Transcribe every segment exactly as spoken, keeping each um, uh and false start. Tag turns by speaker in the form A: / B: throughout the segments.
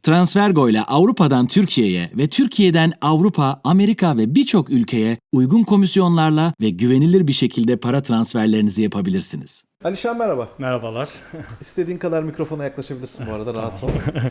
A: Transfergo ile Avrupa'dan Türkiye'ye ve Türkiye'den Avrupa, Amerika ve birçok ülkeye uygun komisyonlarla ve güvenilir bir şekilde para transferlerinizi yapabilirsiniz.
B: Alişan merhaba.
C: Merhabalar.
B: İstediğin kadar mikrofona yaklaşabilirsin bu arada, rahat ol.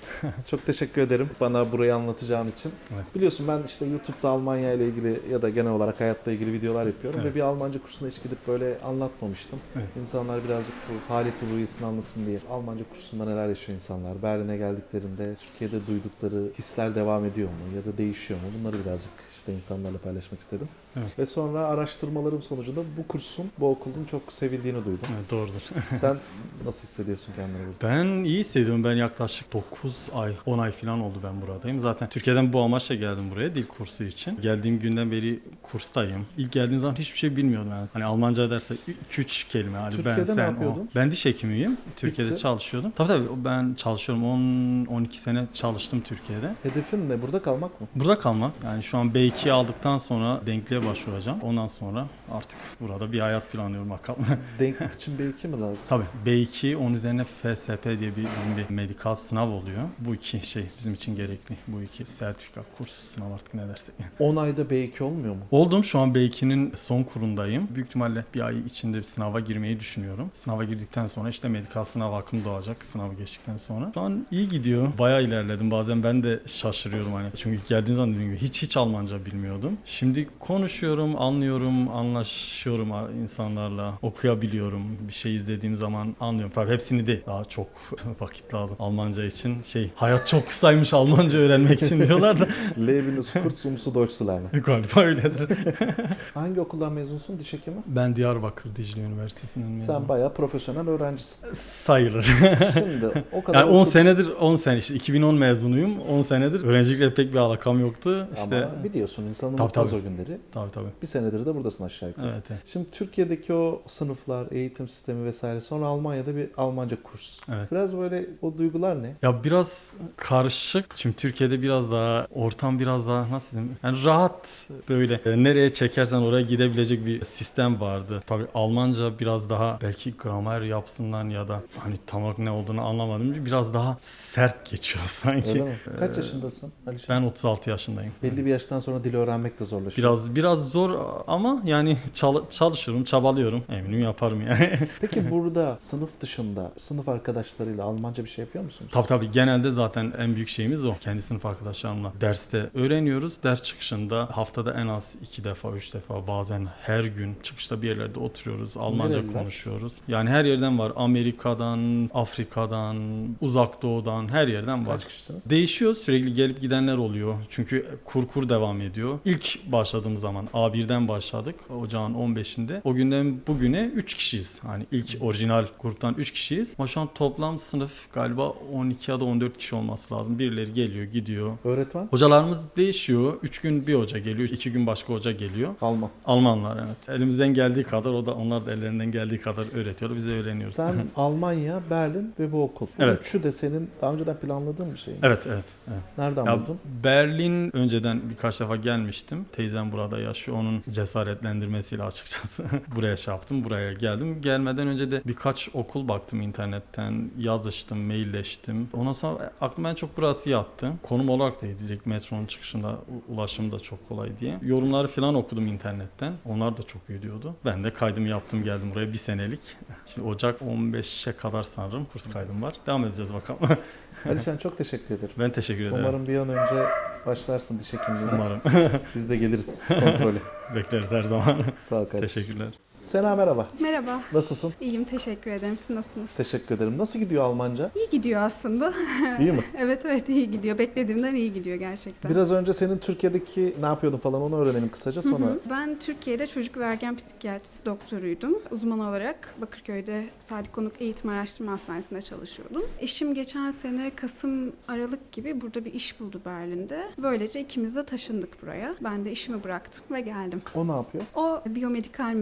B: Çok teşekkür ederim bana burayı anlatacağın için.
C: Evet.
B: Biliyorsun ben işte YouTube'da Almanya ile ilgili ya da genel olarak hayatla ilgili videolar yapıyorum
C: Evet.
B: ve bir Almanca kursuna hiç gidip böyle anlatmamıştım. Evet. İnsanlar birazcık bu halit uluyesini anlasın diye. Almanca kursunda neler yaşıyor insanlar? Berlin'e geldiklerinde Türkiye'de duydukları hisler devam ediyor mu ya da değişiyor mu? Bunları birazcık işte insanlarla paylaşmak istedim. Evet. Ve sonra araştırmalarım sonucunda bu kursun, bu okulun çok sevildiğini duydum.
C: Evet, doğrudur.
B: Sen nasıl hissediyorsun kendini burada?
C: Ben iyi hissediyorum. Ben yaklaşık dokuz ay, on ay falan oldu ben buradayım. Zaten Türkiye'den bu amaçla geldim buraya dil kursu için. Geldiğim günden beri kurstayım. İlk geldiğim zaman hiçbir şey bilmiyordum yani. Hani Almanca derse iki üç kelime. Hani
B: Türkiye'de
C: ben,
B: ne
C: sen,
B: yapıyordun?
C: o. Ben diş hekimiyim. Türkiye'de
B: Bitti.
C: çalışıyordum. Tabii tabii ben çalışıyorum. on on iki sene çalıştım Türkiye'de.
B: Hedefin ne? Burada kalmak mı?
C: Burada kalmak. Yani şu an B iki'yi aldıktan sonra denkliğe başvuracağım. Ondan sonra artık burada bir hayat planlıyorum bakalım.
B: Denklik için B iki mi lazım?
C: Tabii B iki, onun üzerine F S P diye bir bizim bir medikal sınav oluyor. Bu iki şey bizim için gerekli. Bu iki sertifika, kurs, sınav artık ne dersek.
B: on ayda B iki olmuyor mu?
C: Oldum. Şu an B iki'nin son kurundayım. Büyük ihtimalle bir ay içinde bir sınava girmeyi düşünüyorum. Sınava girdikten sonra işte medikal sınav hakkım doğacak. Sınavı geçtikten sonra. Şu an iyi gidiyor. Bayağı ilerledim. Bazen ben de şaşırıyorum hani. Çünkü ilk geldiğim zaman dediğim gibi hiç hiç Almanca bilmiyordum. Şimdi konuşuyorum, anlıyorum, anlaşıyorum insanlarla, okuyabiliyorum. Bir şey izlediğim zaman anlıyorum. Tabii hepsini değil. Daha çok vakit lazım Almanca için. Şey, hayat çok kısaymış Almanca öğrenmek için diyorlar da.
B: Leben ist kurz, um zu Deutsch zu lernen.
C: Galiba öyledir.
B: Hangi okuldan mezunsun, diş hekimi?
C: Ben Diyarbakır Dicle Üniversitesi'nden mezunum.
B: Sen bayağı profesyonel öğrencisin.
C: Sayılır.
B: Şimdi o kadar
C: Yani on
B: okudun.
C: senedir, on sene işte iki bin on mezunuyum. on senedir öğrencilikle pek bir alakam yoktu. İşte
B: Ama biliyorsun insanın
C: Tabii,
B: unutmaz
C: tabii.
B: o günleri.
C: tabii tabii.
B: Bir senedir de buradasın aşağı yukarı.
C: Evet, evet.
B: Şimdi Türkiye'deki o sınıflar, eğitim sistemi vesaire, sonra Almanya'da bir Almanca kurs.
C: Evet.
B: Biraz böyle o duygular ne?
C: Ya biraz karışık. Şimdi Türkiye'de biraz daha ortam biraz daha nasıl diyeyim? Yani rahat böyle e, nereye çekersen oraya gidebilecek bir sistem vardı. Tabii Almanca biraz daha belki gramer yapsından ya da hani tam olarak ne olduğunu anlamadım. Biraz daha sert geçiyor sanki.
B: Öyle mi? Kaç yaşındasın Alişan?
C: Ben otuz altı yaşındayım.
B: Belli bir yaştan sonra dil öğrenmek de zorlaşıyor.
C: Biraz biraz zor ama yani çal- çalışıyorum, çabalıyorum. Eminim yaparım yani.
B: Peki burada sınıf dışında sınıf arkadaşlarıyla Almanca bir şey yapıyor musunuz?
C: Tabii tabii genelde zaten en büyük şeyimiz o. Kendi sınıf arkadaşlarımla derste öğreniyoruz. Ders çıkışında haftada en az iki defa, üç defa bazen her gün çıkışta bir yerlerde oturuyoruz. Almanca
B: Nereliler?
C: konuşuyoruz. Yani her yerden var. Amerika'dan, Afrika'dan, Uzak Doğu'dan her yerden var.
B: Kaç kişisiniz?
C: Değişiyor. Sürekli gelip gidenler oluyor. Çünkü kur kur devam ediyor. İlk başladığım zaman A birden başladık. Ocağın on beşinde. O günden bugüne üç kişiyiz. Hani ilk orijinal gruptan üç kişiyiz. Ama şu an toplam sınıf galiba on iki ya da on dört kişi olması lazım. Birileri geliyor, gidiyor.
B: Öğretmen?
C: Hocalarımız değişiyor. üç gün bir hoca geliyor. iki gün başka hoca geliyor.
B: Alman.
C: Almanlar evet. Elimizden geldiği kadar o da onlar da ellerinden geldiği kadar öğretiyorlar. Biz de öğreniyoruz.
B: Sen Almanya, Berlin ve bu okul. Bu
C: Evet.
B: üçü de senin daha önceden planladığın bir şey mi?
C: Evet, evet, evet.
B: Nereden
C: Ya,
B: buldun?
C: Berlin önceden birkaç defa gelmiştim. Teyzem burada yaşıyor. Onun cesaretlendirmesiyle açıkçası buraya şey yaptım. Buraya geldim. Gelmeden önce de birkaç okul baktım internetten. Yazıştım, mailleştim. Ondan sonra aklıma en çok burası yattı. Konum olarak da iyi. Direkt metronun çıkışında u- ulaşım da çok kolay diye. Yorumları falan okudum internetten. Onlar da çok iyi diyordu. Ben de kaydımı yaptım, geldim buraya bir senelik. Şimdi Ocak on beşe kadar sanırım kurs kaydım var. Devam edeceğiz bakalım.
B: Alişan çok teşekkür ederim.
C: Ben teşekkür ederim.
B: Umarım bir an önce başlarsın diş hekimliğine.
C: Umarım.
B: Biz de geliriz kontrole.
C: Bekleriz her zaman.
B: Sağ ol kardeşim.
C: Teşekkürler.
B: Sena merhaba.
D: Merhaba,
B: Nasılsın?
D: iyiyim teşekkür ederim. Siz nasılsınız?
B: Teşekkür ederim. Nasıl gidiyor Almanca?
D: İyi gidiyor aslında.
B: İyi mi?
D: Evet evet iyi gidiyor. Beklediğimden iyi gidiyor gerçekten.
B: Biraz önce senin Türkiye'deki ne yapıyordun falan onu öğrenelim kısaca
D: Hı
B: sonra.
D: hı. Ben Türkiye'de çocuk ve ergen psikiyatrisi doktoruydum. Uzman olarak Bakırköy'de Sadık Konuk Eğitim Araştırma Hastanesi'nde çalışıyordum. Eşim geçen sene Kasım, Aralık gibi burada bir iş buldu Berlin'de. Böylece ikimiz de taşındık buraya. Ben de işimi bıraktım ve geldim.
B: O ne yapıyor?
D: O biyomedikal mühendisi.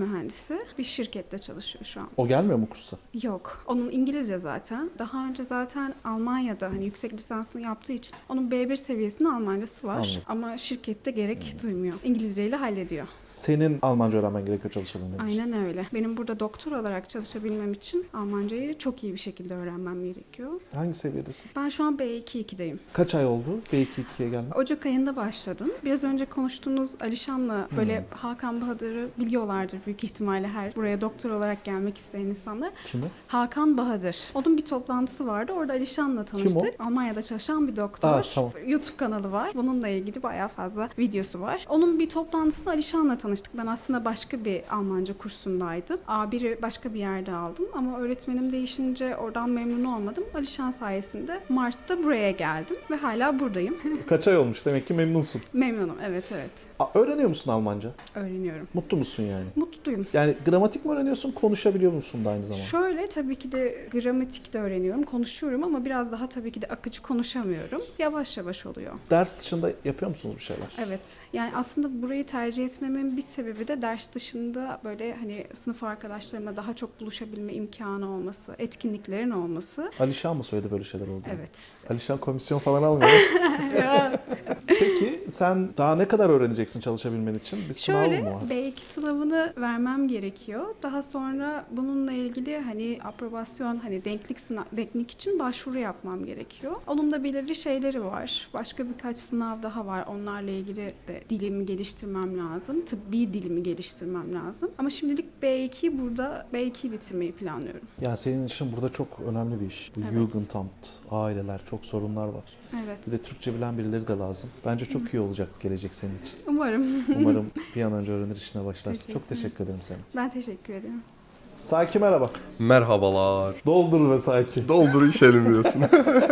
D: kendisi. Bir şirkette çalışıyor şu an.
B: O gelmiyor mu kursa?
D: Yok. Onun İngilizce zaten. Daha önce zaten Almanya'da hani yüksek lisansını yaptığı için onun B bir seviyesinde Almancası var.
B: Anladım.
D: Ama şirkette gerek duymuyor. İngilizceyle hallediyor.
B: Senin Almanca öğrenmen gerekiyor çalışabilmen için.
D: Aynen öyle. Benim burada doktor olarak çalışabilmem için Almancayı çok iyi bir şekilde öğrenmem gerekiyor.
B: Hangi seviyedesin?
D: Ben şu an B iki ikideyim.
B: Kaç ay oldu B iki ikiye gelmek?
D: Ocak ayında başladım. Biraz önce konuştuğumuz Alişan'la böyle Hakan Bahadır'ı biliyorlardır büyük ihtimalle her buraya doktor olarak gelmek isteyen insanlar.
B: Kimi?
D: Hakan Bahadır. Onun bir toplantısı vardı. Orada Alişan'la tanıştık. Almanya'da çalışan bir doktor.
B: Aa, tamam.
D: YouTube kanalı var. Bununla ilgili bayağı fazla videosu var. Onun bir toplantısında Alişan'la tanıştık. Ben aslında başka bir Almanca kursundaydım. A bir'i başka bir yerde aldım ama öğretmenim değişince oradan memnun olmadım. Alişan sayesinde Mart'ta buraya geldim ve hala buradayım.
B: Kaç ay olmuş? Demek ki memnunsun.
D: Memnunum. Evet evet.
B: Aa, öğreniyor musun Almanca?
D: Öğreniyorum.
B: Mutlu musun yani?
D: Mutluyum.
B: Yani gramatik mi öğreniyorsun, konuşabiliyor musun da aynı zamanda?
D: Şöyle tabii ki de gramatik de öğreniyorum, konuşuyorum ama biraz daha tabii ki de akıcı konuşamıyorum. Yavaş yavaş oluyor.
B: Ders dışında yapıyor musunuz bir şeyler?
D: Evet. Yani aslında burayı tercih etmemin bir sebebi de ders dışında böyle hani sınıf arkadaşlarımla daha çok buluşabilme imkanı olması, etkinliklerin olması.
B: Alişan mı söyledi böyle şeyler oldu?
D: Evet.
B: Alişan komisyon falan almıyor. Peki sen daha ne kadar öğreneceksin çalışabilmen için? Bir sınav
D: Şöyle
B: mı var?
D: B iki sınavını vermem gerekiyor. Daha sonra bununla ilgili hani aprobasyon hani denklik sınav denklik için başvuru yapmam gerekiyor. Onun da belirli şeyleri var. Başka birkaç sınav daha var. Onlarla ilgili de dilimi geliştirmem lazım. Tıbbi dilimi geliştirmem lazım. Ama şimdilik B ikiyi burada B ikiyi bitirmeyi planlıyorum.
B: Yani senin için burada çok önemli bir iş. Bu
D: Evet.
B: Jugendamt, aileler, çok sorunlar var.
D: Evet.
B: Bir de Türkçe bilen birileri de lazım. Bence çok iyi olacak gelecek senin için.
D: Umarım.
B: Umarım bir an önce öğrenir işine başlarsın.
D: Teşekkür
B: Çok teşekkür ederim sana.
D: Ben teşekkür ederim.
B: Saki merhaba.
E: Merhabalar.
B: Doldur ve Saki.
E: Doldur işelim diyorsun.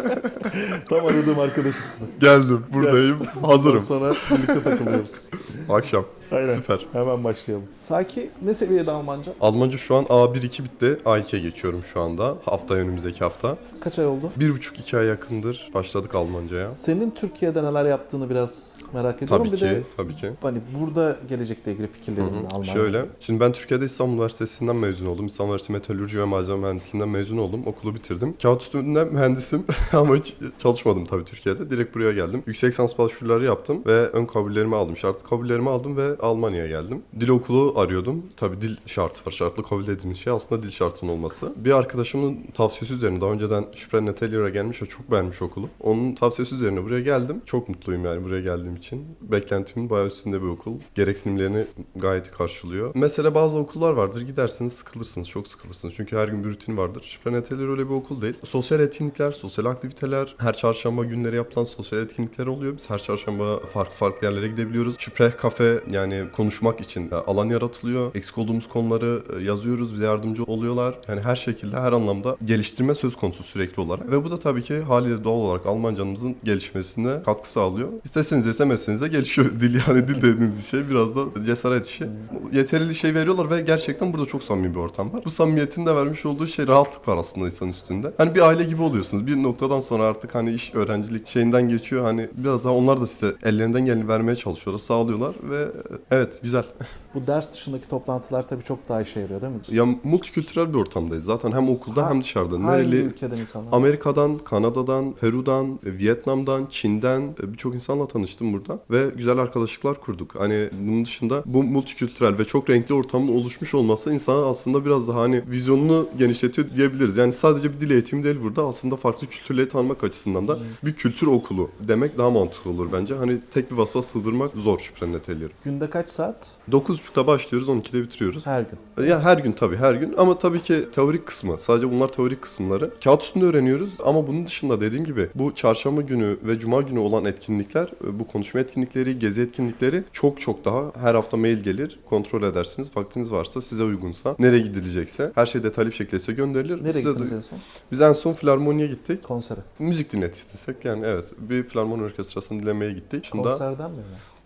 B: Tam aradığım arkadaş ismi.
E: Geldim, buradayım, hazırım.
B: Sonra birlikte takılıyoruz.
E: Akşam.
B: Aynen.
E: Süper.
B: Hemen başlayalım. Saki ne seviyede Almanca?
E: Almanca şu an A bir iki bitti. A ikiye geçiyorum şu anda. Hafta önümüzdeki hafta.
B: Kaç ay oldu?
E: Bir buçuk iki ay yakındır başladık Almancaya.
B: Senin Türkiye'de neler yaptığını biraz merak ediyorum.
E: Tabii
B: bir
E: ki,
B: de
E: tabii ki.
B: hani burada gelecekle ilgili
E: Hı
B: fikirlerin
E: hı.
B: Almanya.
E: Şöyle, şimdi ben Türkiye'de İstanbul Üniversitesi'nden mezun oldum. İstanbul Üniversitesi Metalürji ve Malzeme Mühendisliğinden mezun oldum. Okulu bitirdim. Kağıt üstünde mühendisim ama hiç çalışmadım tabii Türkiye'de. Direkt buraya geldim. Yüksek lisans başvuruları yaptım ve ön kabullerimi aldım. Şartlı kabullerimi aldım ve Almanya'ya geldim. Dil okulu arıyordum. Tabii dil şartı var. Şartlı kabul dediğimiz şey aslında dil şartının olması. Bir arkadaşımın tavsiyesi üzerine daha önceden Sprennetellier'e gelmiş ve çok beğenmiş okulu. Onun tavsiyesi üzerine buraya geldim. Çok mutluyum yani buraya geldiğim için. Beklentimin bayağı üstünde bir okul. Gereksinimlerini gayet iyi karşılıyor. Mesela bazı okullar vardır. Gidersiniz sıkılırsınız. Çok sıkılırsınız. Çünkü her gün bir rutin vardır. Sprennettellier öyle bir okul değil. Sosyal etkinlikler, sosyal aktiviteler, her çarşamba günleri yapılan sosyal etkinlikler oluyor. Biz her çarşamba farklı farklı yerlere gidebiliyoruz. Sprech kafe yani konuşmak için alan yaratılıyor. Eksik olduğumuz konuları yazıyoruz. Bize yardımcı oluyorlar. Yani her şekilde her anlamda geliştirme söz konusu sürekli olarak. Ve bu da tabii ki haliyle doğal olarak Almancamızın gelişmesine katkı sağlıyor. İsteseniz de istemezseniz de gelişiyor. Dil yani dil dediğiniz şey biraz da cesaret işi. Yeterli şey veriyorlar ve gerçekten burada çok samimi bir ortam var. Bu samimiyetin de vermiş olduğu şey rahatlık var aslında insan üstünde. Hani bir aile gibi oluyorsunuz. Bir noktadan sonra artık hani iş, öğrencilik şeyinden geçiyor. Hani biraz daha onlar da size ellerinden geleni vermeye çalışıyorlar, sağlıyorlar ve evet güzel.
B: Bu ders dışındaki toplantılar tabii çok daha işe yarıyor değil mi?
E: Ya multikültürel bir ortamdayız. Zaten hem okulda
B: Ha,
E: hem dışarıda.
B: Hangi
E: Nereli?
B: ülkeden insanlar?
E: Amerika'dan, Kanada'dan, Peru'dan, Vietnam'dan, Çin'den birçok insanla tanıştım burada ve güzel arkadaşlıklar kurduk. Hani bunun dışında bu multikültürel ve çok renkli ortamın oluşmuş olması insana aslında biraz daha hani vizyonunu genişletiyor diyebiliriz. Yani sadece bir dil eğitimi değil burada. Aslında farklı kültürleri tanımak açısından da bir kültür okulu demek daha mantıklı olur bence. Hani tek bir vasfa sığdırmak zor Sprennetellier'i.
B: Günde kaç saat?
E: dokuz buçukta başlıyoruz, on ikide bitiriyoruz.
B: Her gün.
E: Ya her gün tabii her gün ama tabii ki teorik kısmı. Sadece bunlar teorik kısımları. Kağıt üstünde öğreniyoruz ama bunun dışında dediğim gibi bu çarşamba günü ve cuma günü olan etkinlikler, bu konuşma etkinlikleri, gezi etkinlikleri çok çok daha her hafta mail gelir. Kontrol edersiniz. Vaktiniz varsa, size uygunsa, nereye gidilecekse her şey detaylı bir şekilde size gönderilir.
B: Nereye
E: Size
B: gittiniz
E: de-
B: en son?
E: Biz en son filarmoniye gittik.
B: Konsere.
E: Müzik dinlet istesek yani evet. Bir filarmoni orkestrasını dinlemeye gittik. Dışında
B: Konserden mi?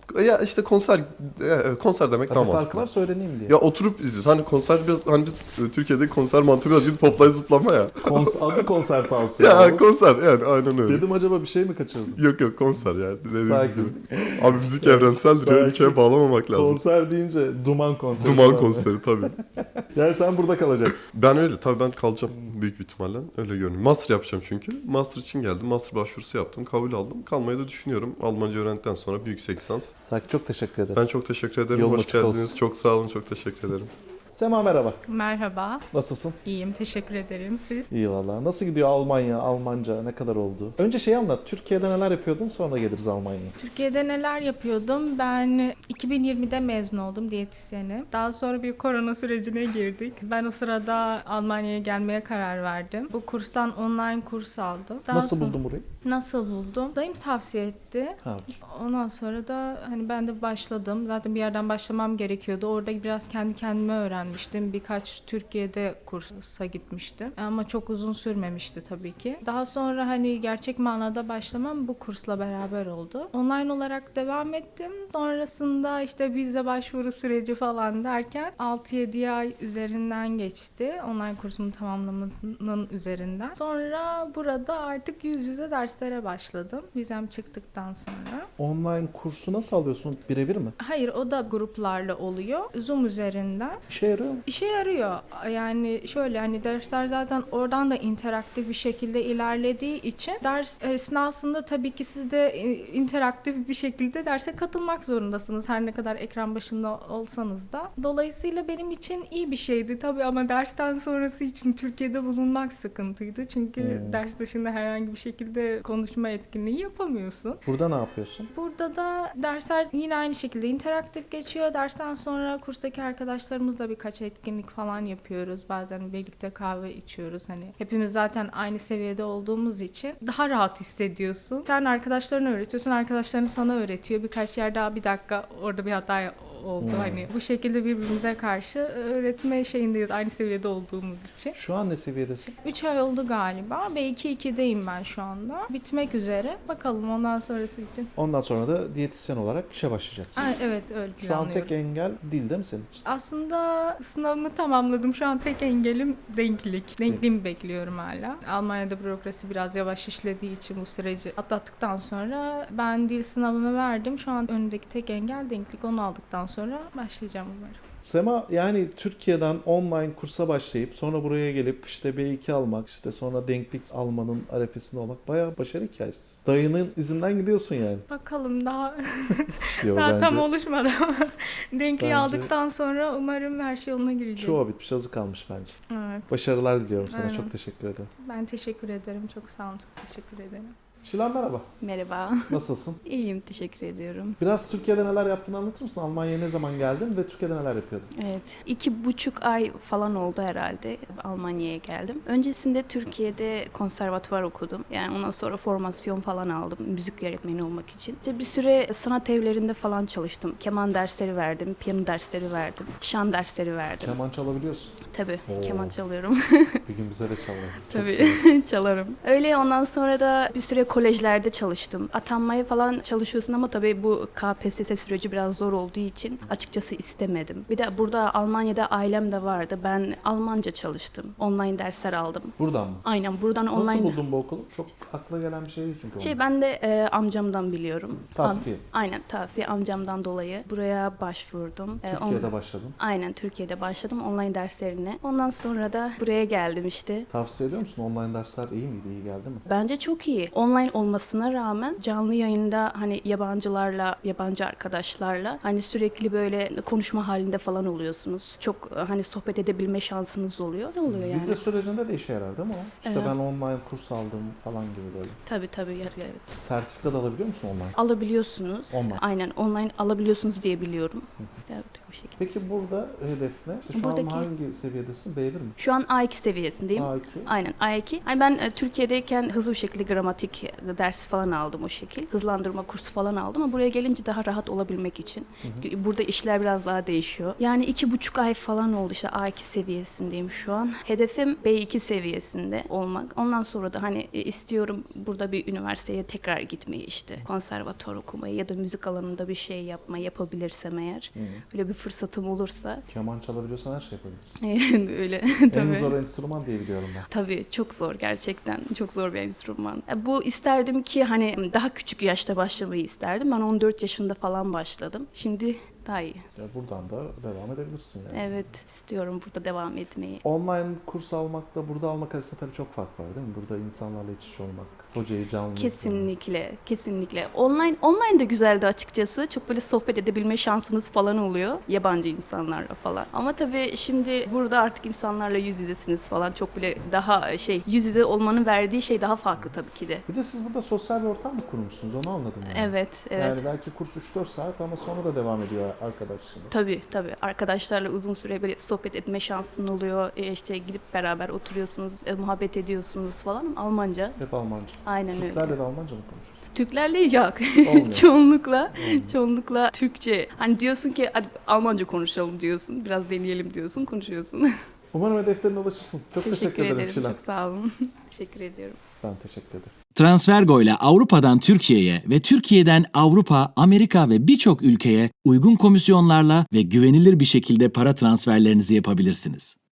E: Ya işte konser e, konser demek
B: Tabii
E: daha
B: farkı
E: mantıklı.
B: var söyleneyim diye.
E: Ya oturup izliyoruz. Hani konser biraz hani biz e, Türkiye'de konser mantığı biraz gidip hoplayıp zıplama ya.
B: Kons- adı konser tavsiye.
E: Ya konser yani aynen öyle.
B: Dedim acaba bir şey mi kaçırdım?
E: Yok yok konser yani dediğiniz
B: Sakin.
E: gibi. Abi müzik evrenseldir ya
B: Sakin.
E: ülkeye bağlamamak lazım.
B: Konser deyince duman konseri.
E: Duman
B: falan.
E: konseri tabii.
B: Yani sen burada kalacaksın.
E: Ben öyle tabii ben kalacağım büyük bir ihtimalle. Öyle görünüyor. Master yapacağım çünkü. Master için geldim. Master başvurusu yaptım. Kabul aldım. Kalmayı da düşünüyorum. Almanca öğrendikten sonra büyük yüksek lisans.
B: Sakin, çok teşekkür ederim.
E: Ben çok teşekkür ederim.
B: Yolun
E: Hoş
B: açık
E: geldiniz.
B: olsun.
E: Çok sağ olun. Çok teşekkür ederim.
B: Sema merhaba.
F: Merhaba,
B: Nasılsın?
F: iyiyim. Teşekkür ederim. Siz?
B: İyi valla. Nasıl gidiyor Almanya, Almanca? Ne kadar oldu? Önce şeyi anlat. Türkiye'de neler yapıyordun, sonra geliriz Almanya'ya.
F: Türkiye'de neler yapıyordum? Ben iki bin yirmide mezun oldum diyetisyeni. Daha sonra bir korona sürecine girdik. Ben o sırada Almanya'ya gelmeye karar verdim. Bu kurstan online kurs aldım. Daha
B: Nasıl
F: sonra-
B: buldun burayı?
F: Nasıl buldum? Dayım tavsiye etti.
B: Ha.
F: Ondan sonra da hani ben de başladım. Zaten bir yerden başlamam gerekiyordu. Orada biraz kendi kendime öğrenmiştim. Birkaç Türkiye'de kursa gitmiştim. Ama çok uzun sürmemişti tabii ki. Daha sonra hani gerçek manada başlamam bu kursla beraber oldu. Online olarak devam ettim. Sonrasında işte vize başvuru süreci falan derken altı yedi ay üzerinden geçti. Online kursumu tamamlamasının üzerinden. Sonra burada artık yüz yüze derslere başladım. Vizem çıktıktan sonra.
B: Online kursu nasıl alıyorsun? Birebir mi?
F: Hayır, o da gruplarla oluyor. Zoom üzerinden.
B: İşe yarıyor mu?
F: İşe yarıyor. Yani şöyle hani dersler zaten oradan da interaktif bir şekilde ilerlediği için ders esnasında tabii ki siz de e, interaktif bir şekilde derse katılmak zorundasınız. Her ne kadar ekran başında olsanız da. Dolayısıyla benim için iyi bir şeydi tabii ama dersten sonrası için Türkiye'de bulunmak sıkıntıydı. Çünkü
B: Hmm.
F: ders dışında herhangi bir şekilde konuşma etkinliği yapamıyorsun.
B: Burada ne yapıyorsun?
F: Burada da dersler yine aynı şekilde interaktif geçiyor. Dersten sonra kurstaki arkadaşlarımızla birkaç etkinlik falan yapıyoruz. Bazen birlikte kahve içiyoruz. Hani hepimiz zaten aynı seviyede olduğumuz için daha rahat hissediyorsun. Sen arkadaşlarına öğretiyorsun, arkadaşların sana öğretiyor. Birkaç yer daha bir dakika orada bir hata oldu.
B: Hmm.
F: Hani bu şekilde birbirimize karşı öğretme şeyindeyiz aynı seviyede olduğumuz için.
B: Şu an ne seviyedesin?
F: üç ay oldu galiba. B iki ikideyim ben şu anda. Bitmek üzere. Bakalım ondan sonrası için.
B: Ondan sonra da diyetisyen olarak işe başlayacaksın.
F: Ay, evet öyle
B: Şu an
F: planlıyorum.
B: tek engel değil değil mi senin için?
F: Aslında sınavımı tamamladım. Şu an tek engelim denklik. Denkliğimi bekliyorum hala. Almanya'da bürokrasi biraz yavaş işlediği için bu süreci atlattıktan sonra ben dil sınavını verdim. Şu an önündeki tek engel denklik. Onu aldıktan sonra başlayacağım umarım.
B: Sema yani Türkiye'den online kursa başlayıp sonra buraya gelip işte B iki almak, işte sonra denklik almanın arefesinde olmak bayağı başarı hikayesi. Dayının izinden gidiyorsun yani.
F: Bakalım daha
B: Yo,
F: daha
B: bence
F: tam oluşmadı ama denkliği
B: Bence-
F: aldıktan sonra umarım her şey yoluna girecek.
B: çoğu bitmiş, azı kalmış bence.
F: Evet.
B: Başarılar diliyorum sana.
F: Aynen.
B: Çok teşekkür ederim.
F: Ben teşekkür ederim. Çok sağ olun. Çok teşekkür ederim.
B: Şilan merhaba.
G: Merhaba.
B: Nasılsın?
G: İyiyim, teşekkür ediyorum.
B: Biraz Türkiye'de neler yaptığını anlatır mısın? Almanya'ya ne zaman geldin ve Türkiye'de neler yapıyordun?
G: Evet, iki buçuk ay falan oldu herhalde Almanya'ya geldim. Öncesinde Türkiye'de konservatuvar okudum. Yani ondan sonra formasyon falan aldım müzik öğretmeni olmak için. İşte bir süre sanat evlerinde falan çalıştım. Keman dersleri verdim, piyano dersleri verdim, şan dersleri verdim.
B: Keman çalabiliyorsun.
G: Tabii,
B: Oo.
G: keman çalıyorum.
B: Bir gün bize de çalalım. Çok
G: Tabii,
B: severim.
G: çalarım. Öyle ondan sonra da bir süre kolejlerde çalıştım. Atanmaya falan çalışıyorsun ama tabii bu K P S S süreci biraz zor olduğu için açıkçası istemedim. Bir de burada Almanya'da ailem de vardı. Ben Almanca çalıştım. Online dersler aldım.
B: Buradan mı?
G: Aynen buradan
B: Nasıl
G: online...
B: buldun bu okulu? Çok akla gelen bir şey değil çünkü.
G: Şey
B: onun.
G: ben de e, amcamdan biliyorum.
B: Tavsiye.
G: Am- aynen tavsiye amcamdan dolayı buraya başvurdum. E,
B: Türkiye'de
G: on-
B: başladın.
G: Aynen Türkiye'de başladım online derslerine. Ondan sonra da buraya geldim işte.
B: Tavsiye ediyor musun? Online dersler iyi miydi? İyi geldi mi?
G: Bence çok iyi. Online olmasına rağmen canlı yayında hani yabancılarla, yabancı arkadaşlarla hani sürekli böyle konuşma halinde falan oluyorsunuz. Çok hani sohbet edebilme şansınız oluyor. Ne oluyor yani?
B: Vize sürecinde de işe yarar değil mi o? İşte
G: Evet.
B: ben online kurs aldım falan gibi böyle.
G: Tabii tabii. yer- evet.
B: Sertifika da alabiliyor musun online?
G: Alabiliyorsunuz.
B: Online.
G: Aynen online alabiliyorsunuz diye biliyorum. Evet bu şekilde.
B: Peki burada hedef ne? İşte şu
G: Buradaki-
B: an hangi seviyedesin? B bir mi?
G: Şu an A iki seviyesindeyim.
B: A iki.
G: Aynen A iki. Hani ben e, Türkiye'deyken hızlı bir şekilde gramatik ders falan aldım o şekil. Hızlandırma kursu falan aldım ama buraya gelince daha rahat olabilmek için. Burada işler biraz daha değişiyor. Yani iki buçuk ay falan oldu, işte A iki seviyesindeyim şu an. Hedefim B iki seviyesinde olmak. Ondan sonra da hani e, istiyorum burada bir üniversiteye tekrar gitmeyi, işte konservatuvar okumayı ya da müzik alanında bir şey yapmayı yapabilirsem eğer.
B: Hı.
G: Öyle bir fırsatım olursa.
B: Keman çalabiliyorsan her şey yapabilirsin.
G: Öyle.
B: En
G: Tabii.
B: zor enstrüman diye biliyorum ben.
G: Tabii çok zor, gerçekten çok zor bir enstrüman. E, Bu isterdim ki hani daha küçük yaşta başlamayı isterdim. Ben on dört yaşında falan başladım. Şimdi daha iyi.
B: Ya buradan da devam edebilirsin yani.
G: Evet, istiyorum burada devam etmeyi.
B: Online kurs almakla burada almak arasında tabii çok fark var değil mi? Burada insanlarla iç içe olmak, hocayı canlı izlemek.
G: Kesinlikle, kesinlikle. Online online de güzeldi açıkçası. Çok böyle sohbet edebilme şansınız falan oluyor yabancı insanlarla falan. Ama tabii şimdi burada artık insanlarla yüz yüzesiniz falan. Çok bile daha şey, yüz yüze olmanın verdiği şey daha farklı tabii ki de.
B: Bir de siz burada sosyal bir ortam mı kurmuşsunuz? Onu anladım yani.
G: Evet, evet.
B: Yani belki kurs üç dört saat ama sonra da devam ediyor arkadaşınız.
G: Tabii tabii. Arkadaşlarla uzun süre böyle sohbet etme şansın oluyor. E işte gidip beraber oturuyorsunuz, e, muhabbet ediyorsunuz falan. Almanca.
B: Hep Almanca.
G: Aynen öyle.
B: Türklerle de Almanca mı konuşuyorsunuz?
G: Türklerle yok.
B: Olmuyor.
G: çoğunlukla,
B: Olmuyor.
G: çoğunlukla Türkçe. Hani diyorsun ki hadi Almanca konuşalım diyorsun. Biraz deneyelim diyorsun, konuşuyorsun.
B: Umarım hedeflerine ulaşırsın. Çok teşekkür,
G: teşekkür
B: ederim
G: ederim.
B: Şilan.
G: Çok sağ olun. Teşekkür ediyorum.
B: Ben teşekkür ederim.
A: Transfergo ile Avrupa'dan Türkiye'ye ve Türkiye'den Avrupa, Amerika ve birçok ülkeye uygun komisyonlarla ve güvenilir bir şekilde para transferlerinizi yapabilirsiniz.